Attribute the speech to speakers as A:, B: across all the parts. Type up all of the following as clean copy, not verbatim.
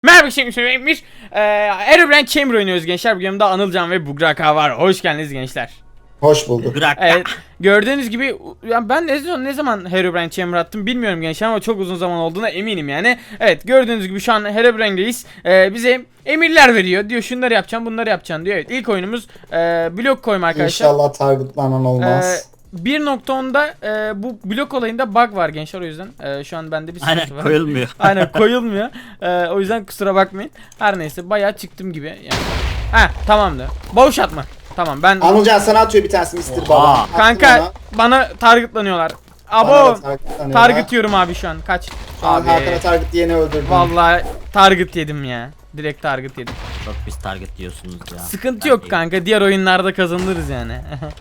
A: Merhaba şeymiş. Herobrine Chamber oynuyoruz gençler. Bu yanımda Anılcan ve Bugraka var. Hoş geldiniz gençler.
B: Hoş bulduk.
A: Evet, gördüğünüz gibi ya ben ne zaman Herobrine Chamber attım bilmiyorum gençler ama çok uzun zaman olduğuna eminim yani. Evet, gördüğünüz gibi şu an Herobrine'deyiz. Bize emirler veriyor. Diyor şunları yapacaksın, bunları yapacaksın diyor. Evet, ilk oyunumuz blok koyma arkadaşlar.
B: İnşallah targetlanan olmaz.
A: 1.10'da bu blok olayında bug var gençler, o yüzden şu an bende bir sıkıntı
C: Aynen
A: var.
C: koyulmuyor.
A: Aynen koyulmuyor. O yüzden kusura bakmayın. Her neyse bayağı çıktım gibi yani. Tamamdır. Boş atma. Tamam ben
B: Anılcan sana atıyor bir tanesi Mr. Baba. Attım
A: kanka
B: ona.
A: bana targetlanıyorlar.
B: Bana
A: Abo
B: da targetlanıyorlar.
A: target yiyorum abi şu an. Kaç.
B: Şu an
A: Abi
B: Hakan'a target diyeni öldürdüm.
A: vallahi target yedim ya. Direkt target yedim.
C: Çok biz target diyorsunuz ya.
A: Sıkıntı
C: Ben
A: yok
C: değilim.
A: kanka. Diğer oyunlarda kazanırız yani.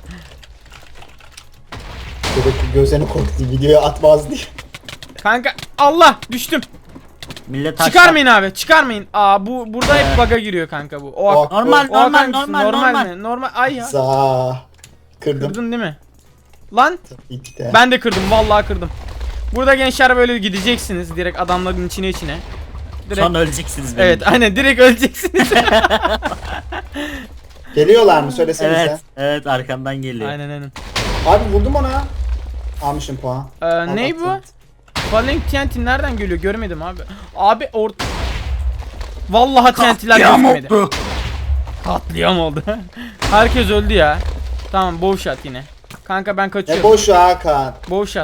B: Bebek gözlerini korktu, videoya atmaz diye.
A: Kanka Allah düştüm.
C: Millet taşlar.
A: Çıkarmayın abi, çıkarmayın. Burada hep bug'a giriyor kanka bu.
C: Normal
A: o Hakan
C: normal
A: mısın?
C: normal.
A: Mi? Normal. Ay ya.
B: Za. Kırdım.
A: Kırdın değil mi? Lan
B: Tabii de.
A: ben de kırdım, vallahi kırdım. Burada gençler böyle gideceksiniz direkt adamların içine. Direkt.
C: Sonra öleceksiniz benim.
A: Evet, aynen direkt öleceksiniz.
B: Geliyorlar mı söylesenize.
C: Evet. Evet arkamdan geliyor.
A: aynen.
B: Abi vurdum ona. Almışım puan.
A: Ney bu? Falling TNT nereden geliyor? Görmedim abi. Abi vallahi TNT'ler
C: Katliam
A: gözükmedi.
C: oldu.
A: Katliam oldu. Herkes öldü ya. Tamam, bow shot yine. Kanka ben
B: Ne
A: kaçıyorum.
B: boşu Hakan.
A: Bow shot.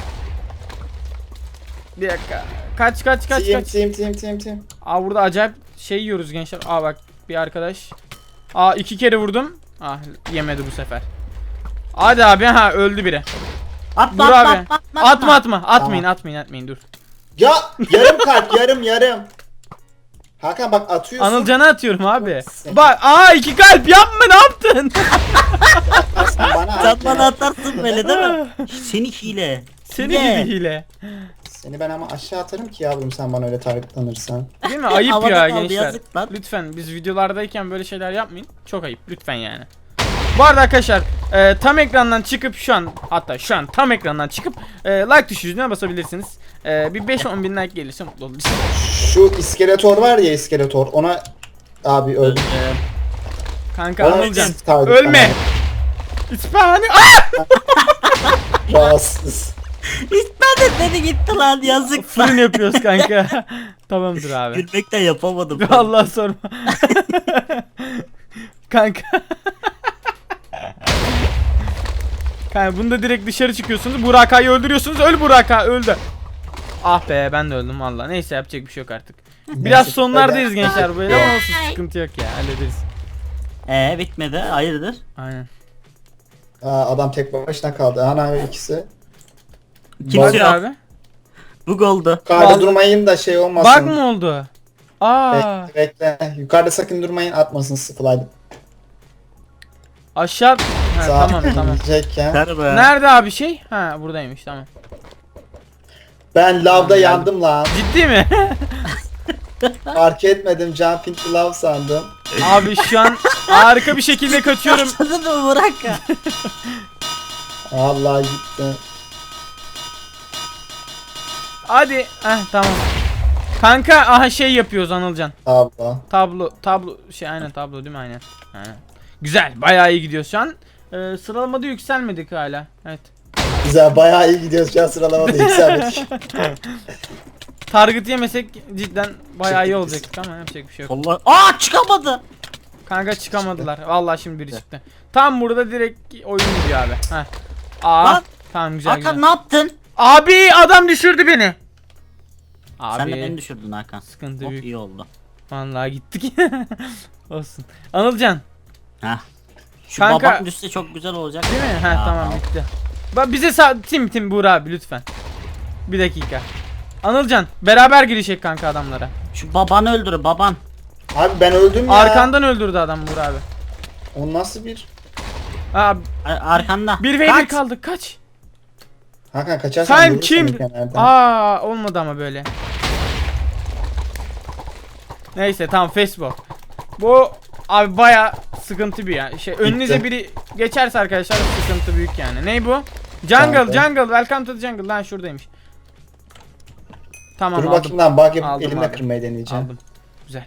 A: Bir dakika. Kaç.
B: Team.
A: Burada acayip şey yiyoruz gençler. Bak bir arkadaş. 2 kere vurdum. Yemedi bu sefer. Hadi abi, öldü biri.
C: Atma
A: Dur
C: atma
A: abi. Atma. Atmayın dur.
B: Ya yarım kalp yarım. Hakan bak atıyorsun.
A: Anılcan'a atıyorum abi.
B: Sen-
A: Bak 2 kalp yapma, ne yaptın?
B: Sen bana
C: Sen
B: at
C: bana
B: ya.
C: atarsın böyle değil mi? Seni hile.
A: Seni gibi hile.
B: Seni ben ama aşağı atarım ki yavrum sen bana öyle targetlanırsan.
A: Değil mi? Ayıp
C: Havada
A: ya
C: kaldı,
A: gençler.
C: yazık lan.
A: Lütfen biz videolardayken böyle şeyler yapmayın. Çok ayıp lütfen yani. Bu arada arkadaşlar tam ekrandan çıkıp şu an tam ekrandan çıkıp like tuşuna basabilirsiniz. Bir 5-10 bin like gelirse mutlu oluruz.
B: Şu iskeletor var ya, iskeletor ona abi öldü.
A: Kanka
B: Ona
A: Anılcan
B: target
A: ölme. İspanya.
B: Rahatsız.
C: İsmail dedi gitti lan yazık.
A: Fırın yapıyoruz kanka. Tamamdır abi.
C: Gülmekten yapamadım.
A: Allah sorma. Kanka. Kanka bunda direkt dışarı çıkıyorsunuz. Buraka'yı öldürüyorsunuz. Öl Buraka, öldü. Ah be, ben de öldüm valla. Neyse, yapacak bir şey yok artık. Biraz
B: Neyse,
A: sonlardayız gençler böyle ama olsun, sıkıntı yok ya, hallederiz.
C: Bitmedi hayırdır?
A: Aynen.
B: Adam tek başına kaldı. Ana ikisi.
C: Kimse
A: Hadi
C: yok.
A: abi.
C: Bug oldu.
B: Yukarıda
A: Vallahi-
B: durmayın da şey olmasın.
A: Bug mı oldu?
B: Bekle. Yukarıda sakın durmayın, atmasın fly.
A: Aşağı. Tamam.
B: Diyecekken.
C: Merhaba.
A: Nerede abi şey? Buradaymış, tamam.
B: Ben lavda yandım lan.
A: Ciddi mi?
B: Fark etmedim, jumping to love sandım.
A: Abi şu an harika bir şekilde kaçıyorum.
C: Başladın mı bırak ya?
B: Allah gitti.
A: Hadi. Tamam. Kanka şey yapıyoruz Anılcan.
B: Abla.
A: Tablo aynen tablo değil mi, aynen. Güzel, bayağı iyi gidiyor şu an. Sıralamada yükselmedik hala. Evet.
B: Güzel, bayağı iyi gidiyoruz şu an, sıralamada yükselmedik.
A: Target yemesek cidden bayağı iyi
B: Çıktık
A: olacaktık ama yapacak bir şey yok.
C: Allah. Çıkamadı.
A: Kanka çıkamadılar. Vallahi şimdi biri çıktı. Tam burada direkt oyun gidiyor abi.
C: Lan.
A: Tamam, güzel.
C: Hakan ne yaptın?
A: Abi adam düşürdü beni.
C: Sen de
A: Abi
C: beni düşürdün Hakan.
A: sıkıntı
C: Çok
A: büyük.
C: iyi oldu.
A: Vallahi gittik. Olsun. Anılcan,
C: Heh. Şu
A: Kanka-
C: babam düşse çok güzel olacak.
A: değil mi?
C: Ya,
A: Tamam, bitti. Bak bize tim Buğra abi lütfen. Bir dakika. Anılcan beraber girişek kanka adamlara.
C: Şu babanı öldür baban.
B: Abi ben öldüm ya.
A: Arkandan öldürdü adam Buğra abi.
B: O nasıl bir?
C: Arkanda.
A: 1v1
C: Kaç.
A: kaldık, kaç.
B: Hakan kaçarsan
A: Sen
B: vurur
A: kim?
B: seni kenardan.
A: Olmadı ama böyle. Neyse tamam, Facebook. Bu abi baya sıkıntı bir ya. Önünüze biri geçerse arkadaşlar sıkıntı büyük yani. Ney bu? Jungle, welcome to the jungle. Lan şuradaymış. Tamam,
B: Dur
A: aldım.
B: bakayım lan, bug yapıp
A: Aldım
B: elimle
A: abi.
B: kırmayı deneyeceğim.
A: Aldım. güzel.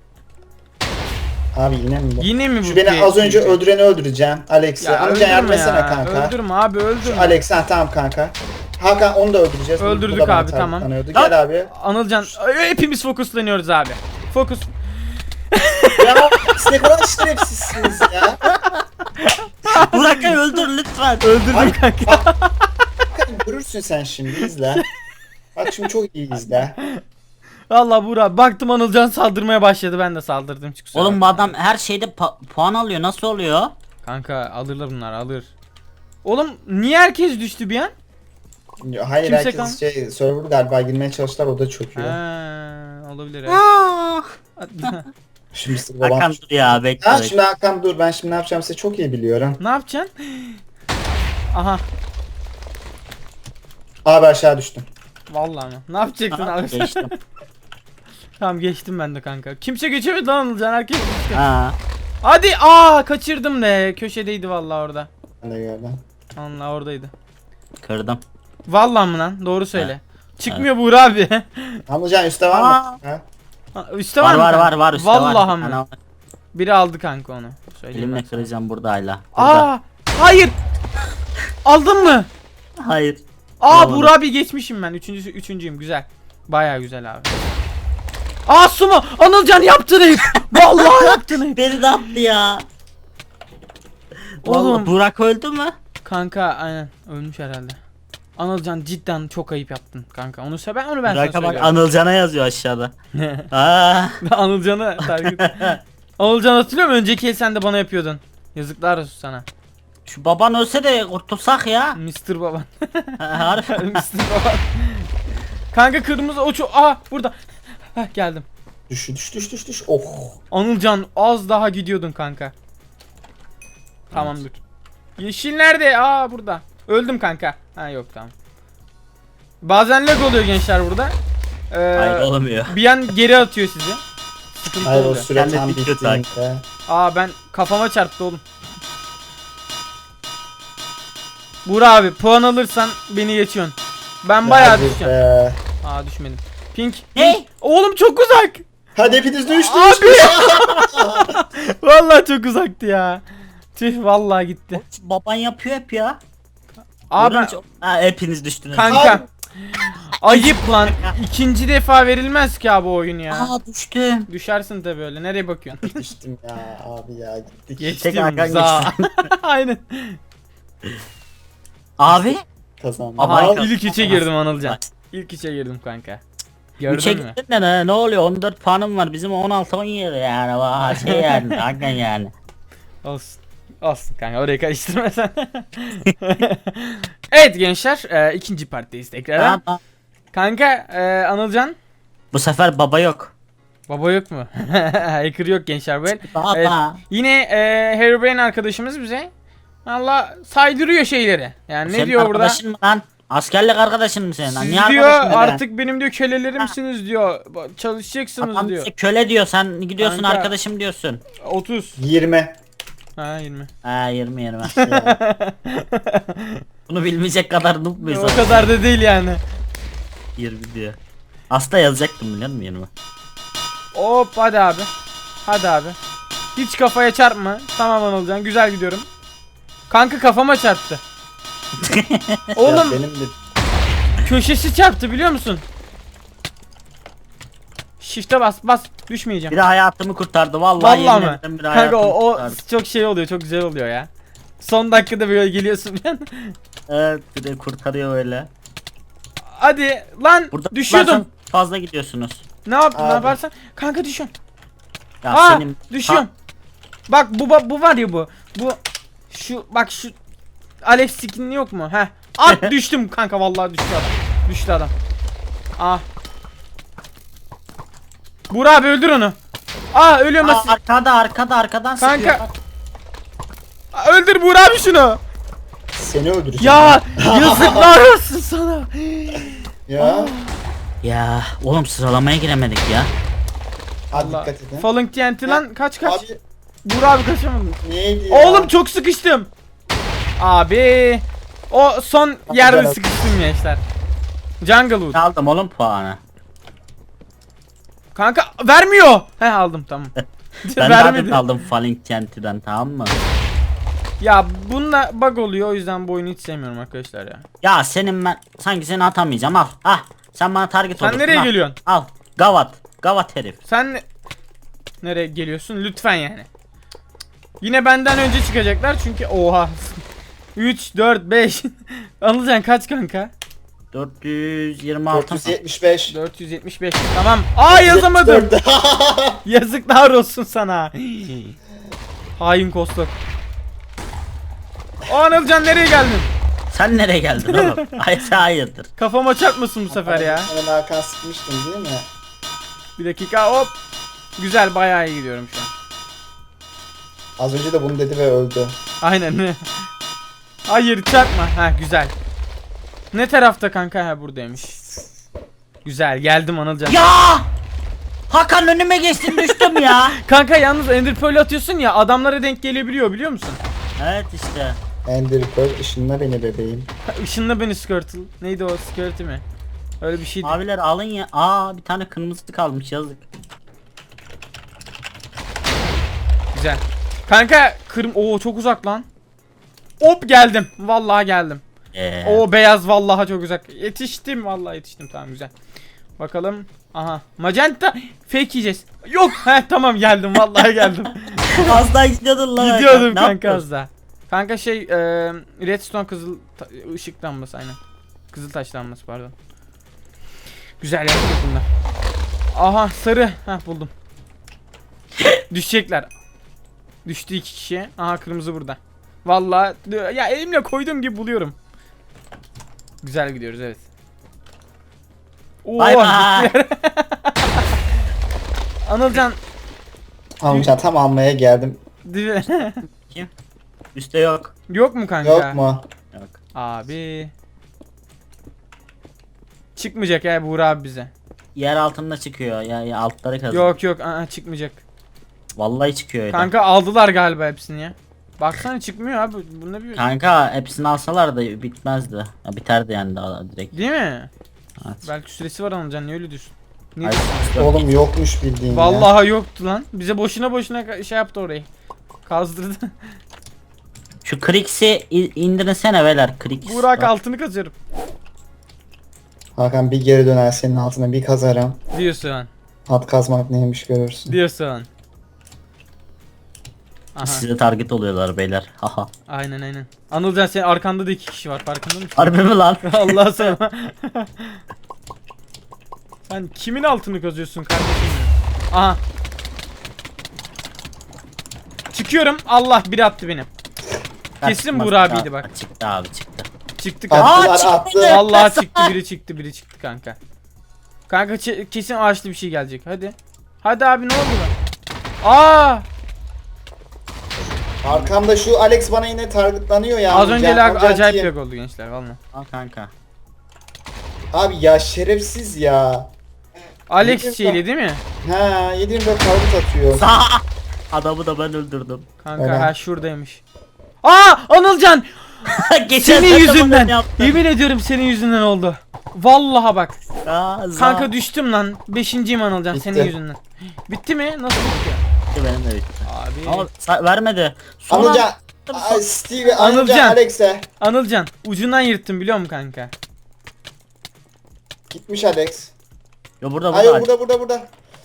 B: Abi yine mi bu?
A: Yine mi bu?
B: Şu beni az önce öldüreni öldüreceğim. Alex'i.
A: Ya
B: Amca yardım
A: öldürme
B: etsene
A: ya.
B: kanka.
A: Öldürme abi
B: Şu
A: öldürme.
B: Alex tamam kanka. Hakan onu da öldüreceğiz. Bu
A: Öldürdük
B: da bana
A: abi, tamam.
B: tanıyordu. Gel abi.
A: Anılcan hepimiz fokuslanıyoruz abi. Fokus.
B: Ya siz ne kadar şerefsizsiniz ya.
C: Burak'ı öldür lütfen.
A: Öldürdüm
B: Ay,
A: kanka.
B: Hakan görürsün sen şimdi izle. Bak şimdi çok iyi izle.
A: Vallahi Burak baktım Anılcan saldırmaya başladı, ben de saldırdım. Hiç kusura
C: Oğlum bu
A: bakma.
C: adam her şeyde puan alıyor. Nasıl oluyor?
A: Kanka alırlar bunlar, alır. Oğlum niye herkes düştü bir an?
B: Hayır
A: Kimse
B: herkes server galiba girmeye çalıştılar o da çöküyor.
A: Olabilir evet.
B: Şimdi Mr. babam.
C: Hakan dur ya bekle.
B: Ha
C: bekle.
B: şimdi Hakan dur ben şimdi ne yapacağımı size çok iyi biliyorum.
A: Ne yapacaksın? Aha.
B: Abi aşağı düştüm.
A: Vallahi mi? Ne yapacaksın
C: Aha,
A: abi?
C: geçtim.
A: Tamam geçtim ben de kanka. Kimse geçemedi lan Anılcan, herkes düştü.
C: Ha.
A: Hadi kaçırdım de. Köşedeydi vallahi orada.
B: Ben de gördüm.
A: Allah oradaydı.
C: Kırdım.
A: Vallahi mı lan? Doğru söyle. Çıkmıyor Buğra abi.
B: Amcan üstte var mı? Ha?
A: Üste var
C: Var
A: mı?
C: var var üstte
A: Vallahi
C: var.
A: mı?
C: Ana,
A: Biri aldı kanka onu. Söyleyeyim ben
C: elimle
A: sana.
C: kıracağım burada hala. Burada.
A: Hayır. Aldın mı?
C: Hayır.
A: Buğra
C: Olmadı.
A: abi geçmişim ben. Üçüncüyüm. Güzel. Baya güzel abi. Sumo. Anılcan yaptın hep. Vallahi yaptın hep.
C: Beni de attı ya.
A: Oğlum.
C: Oğlum. Burak öldü mü?
A: Kanka aynen. Ölmüş herhalde. Anılcan cidden çok ayıp yaptın kanka. Onu ben sana
C: Burak'a bak
A: söylüyorum.
C: Anılcan'a yazıyor aşağıda. Aa.
A: Anılcan'ı takip et. Anılcan hatırlıyor musun? Önceki el sen de bana yapıyordun. Yazıklar olsun sana.
C: Şu baban ölse de kurtulsak ya.
A: Mr. Baban.
C: Harbi.
A: Mr. Baban. Kanka kırmızı burada. Geldim.
B: Düş. Oh.
A: Anılcan az daha gidiyordun kanka. Tamamdır. Yeşil nerede? Burada. Öldüm kanka. Yok tamam. Bazen lag oluyor gençler burada.
C: Hayır olmuyor.
A: Bir an geri atıyor sizi. Sıkıntı
B: Hayır o
A: oluyor.
B: süre
C: Kendi
B: tam
C: bitiyor sanki.
B: bittiğinde.
A: Ben kafama çarptı oğlum. Buğra abi puan alırsan beni geçiyorsun. Ben bayağı
B: Hadi
A: düşeceğim.
B: be.
A: Düşmedim. Pink.
C: Ne?
A: Oğlum çok uzak.
B: Hadi hepiniz düştü.
A: Abi. Vallahi çok uzaktı ya. Tüh vallahi gitti.
C: Baban yapıyor hep ya.
A: Abi
C: Hepiniz düştünüz.
A: kanka. Ayıp lan. İkinci defa verilmez ki abi o oyun ya.
C: Düştüm.
A: Düşersin tabi öyle. Nereye bakıyorsun?
B: Düştüm ya abi ya gittik.
A: Geçtim.
C: Hakan
A: za. Aynen.
C: Abi.
B: Kazandım.
C: Ama
B: Al.
C: Hakan-
A: İlk içe girdim Anılcan. İlk içe girdim kanka.
C: Üçe
A: Gördün mü?
C: gittin de ne oluyor? 14 puanım var. Bizim 16-17 yani. Şey yani. Hakan yani.
A: Olsun. Olsun kanka, orayı karıştırma sen. Evet gençler, ikinci partideyiz tekrardan.
C: Tamam.
A: Kanka Anılcan.
C: Bu sefer baba yok.
A: Baba yok mu? Hacker yok gençler bu el.
C: Baba.
A: Evet, yine Herobrine arkadaşımız bize valla saydırıyor şeyleri. Yani ne
C: Senin
A: diyor burada?
C: arkadaşın mı lan? Askerlik arkadaşın mı senin lan?
A: Siz
C: Niye
A: diyor
C: arkadaşın be?
A: artık benim diyor kölelerimsiniz diyor. Çalışacaksınız
C: Adam
A: diyor.
C: bize köle diyor. Sen gidiyorsun
A: Kanka.
C: arkadaşım diyorsun.
A: 30.
B: 20.
A: 20.
C: Ha 20.
B: Ya.
C: Bunu bilmeyecek kadar noob muyuz?
A: O kadar da değil yani.
C: 20 diyor. Aslında yazacaktım biliyor musun 20?
A: Hop hadi abi. Hadi abi. Hiç kafaya çarpma. Tamam Anılcan, güzel gidiyorum. Kanka kafama çarptı.
B: Ya
A: Oğlum
B: benim de
A: köşesi çarptı biliyor musun? Shift'e bas düşmeyeceğim.
C: Biri hayatımı kurtardı. Vallahi,
A: Vallahi
C: yemin
A: mi?
C: ederim biri
A: Kanka
C: hayatımı
A: o
C: kurtardı.
A: çok şey oluyor, çok güzel oluyor ya. Son dakikada böyle geliyorsun ben.
C: Evet bir de kurtarıyor öyle.
A: Hadi lan
C: Burada
A: düşüyordum.
C: tutarsan fazla gidiyorsunuz.
A: Ne yaptın, ne
B: Abi.
A: yaparsan? Kanka düşüyorum.
C: Ya
A: Düşüyorum. Bak bu var ya bu. Şu Alev skin yok mu? Heh. At düştüm kanka, vallahi düştü adam. Düştü adam. Burak abi öldür onu. Ölüyorum nasıl?
C: Arkadan sıkıyor.
A: Kanka. Öldür Burak abi şunu.
B: seni öldüreceğim.
A: Ya yazıklar olsun sana.
B: Ya.
C: Ya oğlum sıralamaya giremedik ya.
B: Hadi
A: Allah.
B: dikkat edin.
A: Falling TNT lan kaç.
B: Abi
A: Burak abi kaçamadım.
B: neydi ya?
A: Oğlum çok sıkıştım. Abi. O son yerde
B: Güzel.
A: sıkıştım gençler. Jungle Wood.
C: Aldım oğlum puanı.
A: Kanka vermiyor. He aldım tamam.
C: Ben
A: Vermedi.
C: de aldım Falling TNT'den, tamam mı?
A: Ya bununla bug oluyor, o yüzden bu oyunu hiç sevmiyorum arkadaşlar ya.
C: Ya senin ben sanki seni atamayacağım, al. Ah sen bana target
A: Sen
C: olursun.
A: nereye
C: al.
A: geliyorsun?
C: Al. Gavat herif.
A: Sen nereye geliyorsun? Lütfen yani. Yine benden önce çıkacaklar çünkü oha. 3 4 5. Anılcan kaç kanka?
C: 426.
B: 475.
A: 475. Tamam. Aa yazamadım.
B: 474.
A: Yazıklar olsun sana. Hain kostok. O Anılcan nereye geldin?
C: Sen nereye geldin oğlum? Hayırdır.
A: Kafama çarpmasın bu sefer ya.
B: Ben Hakan sıkmıştım değil mi?
A: Bir dakika hop. Güzel, bayağı iyi gidiyorum şu an.
B: Az önce de bunu dedi ve öldü.
A: Aynen. Hayır çarpma. Ha güzel. Ne tarafta kanka? Ha buradaymış. Güzel, geldim Anılcan.
C: Ya! Hakan önüme geçtin, düştüm ya.
A: Kanka yalnız Ender Pearl atıyorsun ya, adamlara denk gelebiliyor biliyor musun?
C: Evet işte.
B: Ender Pearl ışınla beni bebeğim.
A: Ha, ışınla beni Squirtle. Neydi o, Squirtle mi? Öyle bir şeydi.
C: Abiler alın ya. Aa bir tane kırmızı kalmış, yazık.
A: Güzel. Kanka Oo çok uzak lan. Hop geldim. Vallahi geldim. O beyaz vallahi çok uzak. Yetiştim, vallahi yetiştim, tamam güzel. Bakalım. Aha. Magenta fake yiyeceğiz. Yok. He tamam geldim, vallahi geldim.
C: Az daha gidiyordun lan.
A: Gidiyordum
C: Ne
A: kanka
C: yaptın?
A: az daha. Kanka redstone kızıl ışık lambası aynen. Kızıl taş lambası pardon. Güzel yaptık bunda. Aha sarı. Heh buldum. Düşecekler. Düştü 2 kişi. Aha kırmızı burada. Vallahi ya elimle koyduğum gibi buluyorum. Güzel gidiyoruz evet. Oo,
C: Bay bay.
A: Anılcan
B: Amca tam almaya geldim.
C: Kim? Üste yok.
A: yok mu kanka?
B: Yok mu?
C: Yok.
A: Abi. Çıkmayacak ya Buğra abi bize.
C: Yer altında çıkıyor. Ya altları kazıyor.
A: Yok yok çıkmayacak.
C: Vallahi çıkıyor öyle.
A: Kanka aldılar galiba hepsini ya. Baksana çıkmıyor abi. Bunda bir
C: Kanka hepsini alsalar da bitmezdi. Ya, biterdi yani daha direkt.
A: değil mi?
C: Evet.
A: Belki süresi var Anılcan, niye öyle diyorsun? Ne
C: Hayır,
A: diyorsun?
B: Oğlum yokmuş bildiğin ya.
A: Vallahi yoktu lan. Bize boşuna şey yaptı orayı. Kazdırdı.
C: Şu Krix'i indirsene beyler, Krix.
A: Burak
C: Bak.
A: altını kazıyorum.
B: Hakan bir geri döner senin altına bir kazarım.
A: Diyorsun.
B: Hat kazmak neymiş görürsün.
A: Diyorsun. Aha.
C: Size target oluyorlar beyler. Haha.
A: Aynen. Anılcan senin arkanda da 2 kişi var, farkında mısın?
C: Harbi mi lan?
A: Allah sana. Sen kimin altını kazıyorsun kardeşim ya? Aha. Çıkıyorum. Allah, biri attı beni. Kesin
C: Çıkmaz.
A: Buğra abiydi bak.
C: Çıktı abi, çıktı.
A: Çıktı kanka.
B: Attılar
C: çıktı.
B: attı.
A: Allah çıktı, biri çıktı kanka. Kanka kesin ağaçlı bir şey gelecek. Hadi. Hadi abi, ne oldu lan? Aa!
B: Arkamda şu Alex bana yine targetlanıyor ya.
A: Az önce lag
B: Amca
A: acayip
B: diye.
A: lag oldu gençler valla.
C: Al kanka.
B: Abi ya şerefsiz ya.
A: Alex şeyli değil mi?
B: Ha 724 target atıyor.
C: Adamı da ben öldürdüm.
A: Kanka
B: Öyle.
A: ha şuradaymış. Aa Anılcan!
C: Geçen
A: Senin
C: sene
A: yüzünden.
C: bunu yaptım.
A: Yemin ediyorum senin yüzünden oldu. Vallaha bak.
C: Za.
A: Kanka düştüm lan. 5.'yim Anılcan
B: Bitti.
A: senin yüzünden. Bitti mi? Nasıl bitti?
C: Benim de bitti.
A: Abi.
C: Ama vermedi. Sonra
B: Anılcan. Ay, Steve, Anılcan,
A: Anılcan.
B: Alex'e.
A: Anılcan ucundan yırttım biliyor musun kanka?
B: Gitmiş Alex.
C: Yo burada
B: Hayır
C: burada.
B: burada.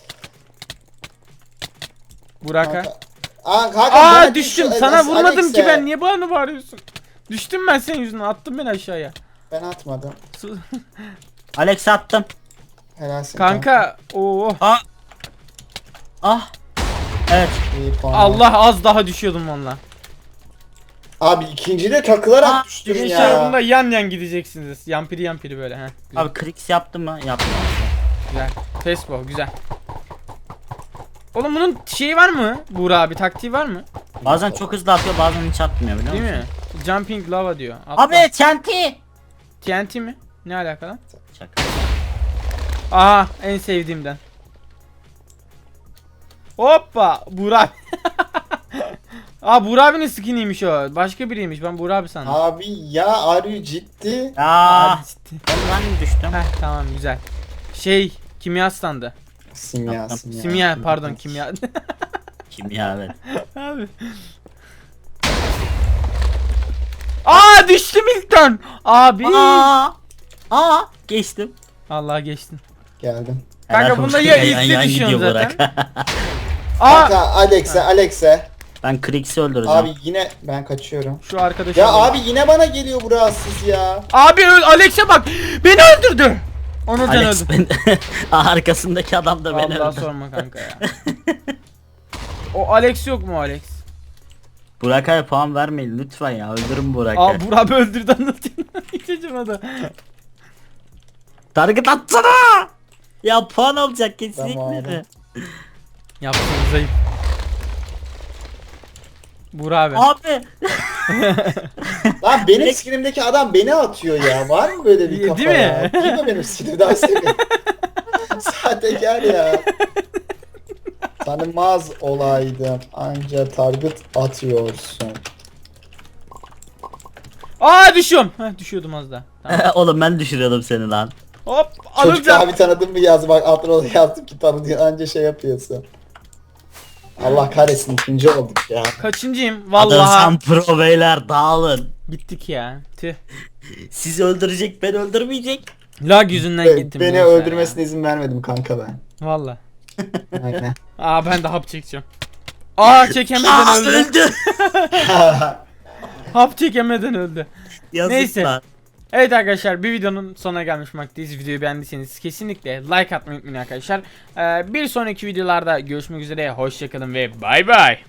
A: Burak'a.
B: Kanka. Hakan,
A: Aa
B: bana
A: düştüm.
B: şu
A: Sana vurmadım
B: Alex'e.
A: ki ben. Niye bana bağırıyorsun? Düştüm ben senin yüzünden. Attın beni aşağıya.
B: Ben atmadım.
C: Alex attım.
B: Helalsin.
A: Kanka. Oo.
C: Ah. Evet.
B: İyi puan.
A: Allah, az daha düşüyordum valla.
B: Abi ikinci de takılarak
C: Aa,
B: düştüm
A: İnşallah
B: ya.
A: bunda yan gidieceksiniz. Yampiri böyle. Heh. Güzel.
C: Abi Krix yaptı mı? Yaptı.
A: Güzel. Tespo güzel. Oğlum bunun şeyi var mı? Buğra abi taktiği var mı?
C: Bazen çok hızlı atıyor, bazen hiç atmıyor biliyor
A: Değil
C: musun?
A: mi? Jumping lava diyor. Atla.
C: Abi TNT.
A: TNT mi? Ne alakalı?
C: Şaka.
A: Aha en sevdiğimden. Hoppa Buğra abi. Aa Buğra abinin skiniymiş o. Başka biriymiş. Ben Buğra abi sandım.
B: Abi ya arı ciddi.
C: Ya.
A: Hadi ciddi.
C: Ben düştüm.
A: Heh tamam güzel. Kimya standı.
B: Simya.
A: Simya pardon kimya.
C: Kimya evet.
A: Abi. Aa düştüm ilkten. Abi.
C: Geçtim.
A: Allah geçtin.
B: Geldim.
A: Kanka
C: Helal
A: bunda
C: olsun.
A: ya
C: Yan
A: izle
C: yan
A: düşüyorsun
C: gidiyor
A: zaten.
C: Burak.
A: Aa
B: Kanka Alex'e.
C: Ben Krix'i öldüreceğim.
B: Abi yine ben kaçıyorum.
A: şu arkadaşı.
B: Ya abi yine bana geliyor bu rahatsız ya.
A: Abi Alex'e bak. Beni öldürdü. Onurcan
C: Alex
A: öldü.
C: ben arkasındaki adam da beni
A: Allah
C: öldürdü.
A: sorma kanka ya. O Alex yok mu Alex?
C: Burak abi puan vermeyin lütfen ya, öldürün Burak
A: Aa
C: abi.
A: Burak abi öldürdü anlatayım. İçeceğim da.
C: Target atsana! Ya puan alacak kesinlikle.
B: Tamam.
A: Yaptığınız ayıp. Burak abi.
C: Abi
B: Lan benim skinimdeki adam beni atıyor ya. Var mı böyle bir
A: Değil
B: kafa
A: mi?
B: ya? Kim o benim skinim? Daha sevmiyorum. Sahtekar ya. Tanımaz olaydım. Anca target atıyorsun.
A: Aa düşüyorum. Heh, düşüyordum az daha. Tamam.
C: oğlum ben düşürüyordum seni lan.
A: Hop
B: Çocuk
A: alacağım.
B: abi tanıdın mı yaz bak altına da yazdım ki tanıdın anca şey yapıyorsun. Allah kahretsin ikinci olduk ya.
A: Kaçıncıyım?
C: Vallahi.
A: Vallahi.
C: Pro beyler dağılın.
A: Gittik ya. Tüh.
C: Sizi öldürecek, ben öldürmeyecek.
A: Lag yüzünden gittim.
B: Beni
A: gençler
B: öldürmesine izin vermedim kanka ben.
A: ya. Vallahi.
B: Aynen.
A: Aa ben de hap çekeceğim. Aa çekemeden öldü.
C: öldü.
A: Hap çekemeden öldü.
C: Yazık
A: Neyse.
C: lan.
A: Evet arkadaşlar bir videonun sonuna gelmiş bulunmaktayız. Videoyu beğendiyseniz kesinlikle like atmayı unutmayın arkadaşlar. Bir sonraki videolarda görüşmek üzere. Hoşçakalın ve bay bay.